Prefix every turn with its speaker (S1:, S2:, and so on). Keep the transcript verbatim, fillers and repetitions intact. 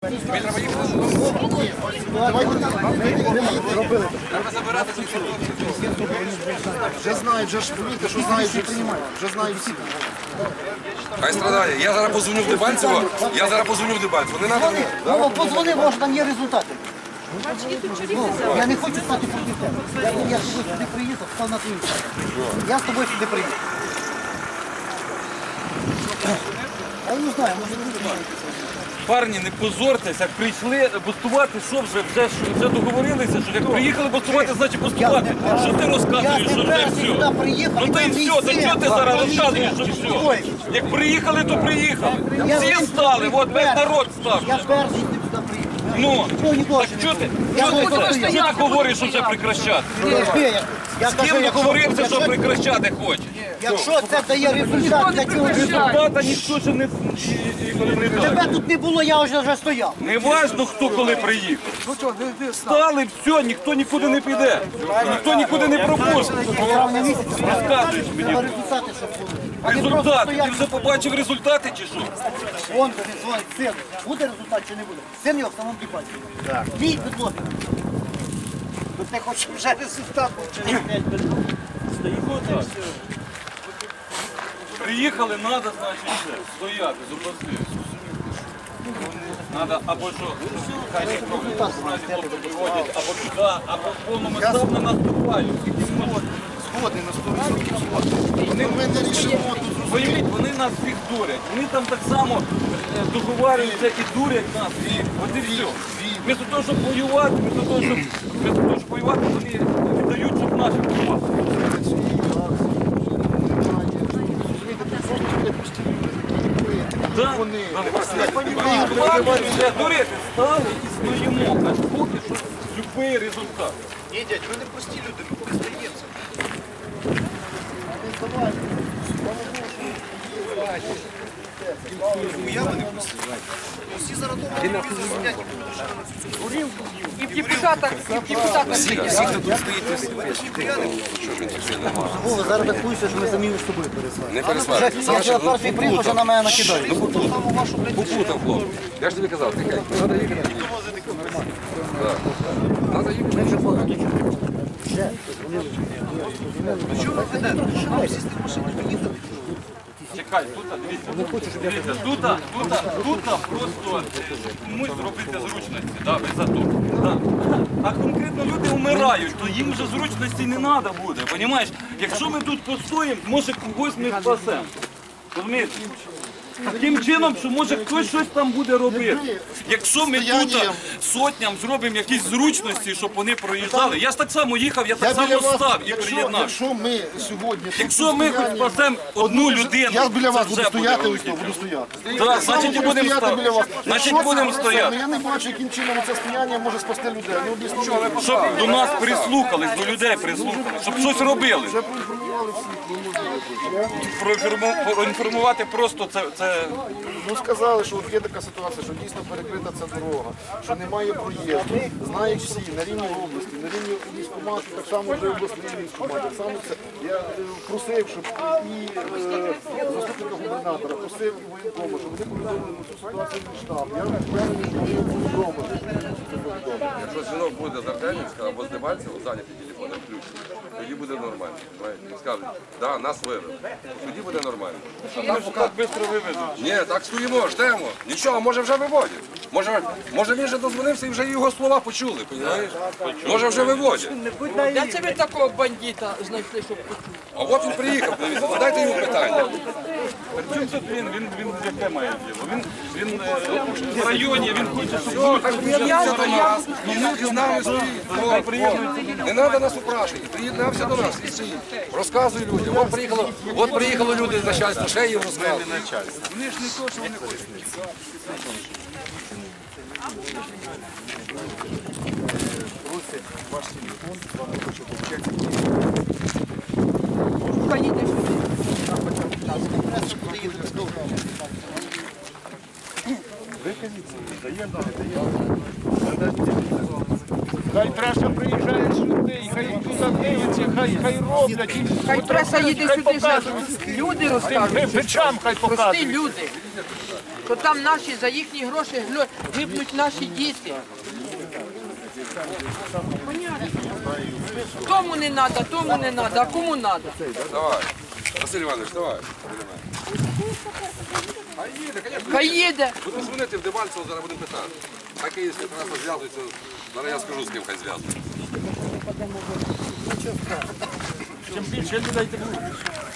S1: Вже знають, вже ж помітьте, що знають, вже приймають. Вже знають всі.
S2: Хай страдає. Я зараз позвоню в Дебальцево, я зараз позвоню в Дебальцево. Не треба мені.
S1: Вова, позвони, може там є результати. Ну, я не хочу стати проти тебе. Я, я з тобою сюди приїхав, став на твою сторону. Я з тобою сюди приїхав. Я не знаю, може не буде.
S3: Парні, не позортесь, як прийшли бастувати, що вже, вже, вже договорилися, що як приїхали бастувати, значить бастувати. Що ти розказуєш, що вже все? Ну та і все, то чого ти зараз розказуєш, що все? Як приїхали, то приїхали. Всі стали, от весь народ став.
S1: Я перший сюди приїхав.
S3: Ну, так що ти, що ти, що ти говориш, що вже прекращати? З ким договорився, що прекращати хочеш?
S1: Якщо це дає результат для цього
S3: Результата ніхто ще не, не дає.
S1: тебе тут не було, я вже вже стояв.
S3: Не важно, хто коли приїхав. Стали, все, ніхто нікуди не піде. Ніхто нікуди не пропустить. Розказуєш мені.
S1: Результати, що були.
S3: Результати. Ти вже побачив результати чи що?
S1: Вон тобі дзвонить син. Буде результат чи не буде? Син його в самому діпаті. Так. Мій підлоги. Ну ти хочеш вже результат, бо через п'ять минут.
S3: Приїхали, треба, значить, все. Стояти, зупинити. Надо або що, хай не виводять, або туди, або повномасштабно наступають.
S1: Згодний на сто відсотків згодний.
S3: Вони,
S1: Ми не рішимо тут.
S3: Виявіть, вони нас всіх дурять. Вони там так само е, договарюються і дурять нас. І от і все. Вместо того, щоб воювати, вместо того, щоб, вместо того, щоб воювати, вони віддають, щоб наші воювати. Да, вони дурити стали і стоїмо, аж поки що любий результат.
S4: Ні, дядь, ви не прості люди, ми постаємося. Я не прості. Всі зараз дома сидять і будуть ще раз.
S5: І в депутатах, і в депутатах.
S2: Всі, хто тут стоїть,
S1: Вова, зараз так пусть, що ми самі з тобою пересваримо.
S2: не пересварюйся.
S1: Я
S2: Саша,
S1: вчора
S2: ну,
S1: перший приїхав, вже на мене накидають.
S2: Ну, попутав, хлоп. Я ж тобі казав, тихай. Треба їхати. Треба їхати.
S3: Чекай, тут, дивіться, дивіться, тут, тут, тут просто комусь зробити зручності, да, ви за то. Да. А конкретно люди вмирають, то їм вже зручності не треба буде, розумієш? Якщо ми тут постоїмо, може когось ми спасемо. Розумієте? Таким чином, що може хтось щось там буде робити. Якщо ми тут сотням зробимо якісь зручності, щоб вони проїжджали. Я ж так само їхав, я так само став і приєднав.
S1: Якщо ми сьогодні...
S3: Якщо ми хоч спасемо одну людину,
S1: я біля вас
S3: це
S1: буду
S3: вже
S1: стояти,
S3: буде
S1: ось тут буду стояти.
S3: Так, значить і будемо
S1: біля вас.
S3: стояти. Значить будемо стояти.
S1: Я не бачу, яким чином це стояння може спасти людей. Ну, об'ясніть.
S3: Щоб до нас прислухались, до людей прислухались, щоб щось робили.
S1: Вже проінформували всі.
S3: Проінформу- Проінформувати просто це, це
S1: Ну сказали, що от є така ситуація, що дійсно перекрита ця дорога, що немає проїзду. Знають всі на рівні області, на рівні військкомату, так само вже обласний військкомат. Так само це я е, просив, щоб і е, заступника губернатора, просив і воєнкома, щоб вони повідомили на цю ситуацію в штаб. Я впевнений, що вони повідомили.
S2: Якщо дзвінок буде з Артемівська або з Дебальцева, зайняті телефони включені, тоді буде нормально. І скажуть, да, нас вивели. Тоді буде нормально. А так поки...
S3: так швидко вивезуть.
S2: Ні, так стоїмо, ждемо. Нічого, може вже виводять. Може, може він вже дозвонився і вже його слова почули, розумієш? Може вже виводять.
S5: Де це ви такого бандита знайшли, щоб почути?
S2: А от він приїхав, дивіться, задайте йому питання.
S3: Чим тут він, він, він яке має діло? Він, він е, в районі, він хоче, щоб
S2: Він з нами стоїть. Не треба нас упрашувати. Приєднався до нас і стоїть. Розказуй людям. От приїхало, от приїхало люди з начальства, ще їм розказують.
S4: Вони ж не то, що вони хочуть.
S5: Поїдеш сюди.
S4: Хай преса приїжджає сюди, хай тут дивиться, хай, хай роблять.
S5: Хай преса їде сюди, що люди розкажуть.
S4: Печам хай
S5: Прості
S4: показують.
S5: люди. то там наші за їхні гроші глю- гибнуть наші діти. Понятно. Тому не треба, тому не треба, а кому треба?
S2: Давай. Василь Іванович, давай. А їде, звісно.
S5: Хай їде.
S2: Буду дзвонити в Дебальцево, зараз будемо питати. А київські нас зв'язуються, зараз я скажу, з ким хай зв'язують.
S4: Чим більше людей, тим лучше.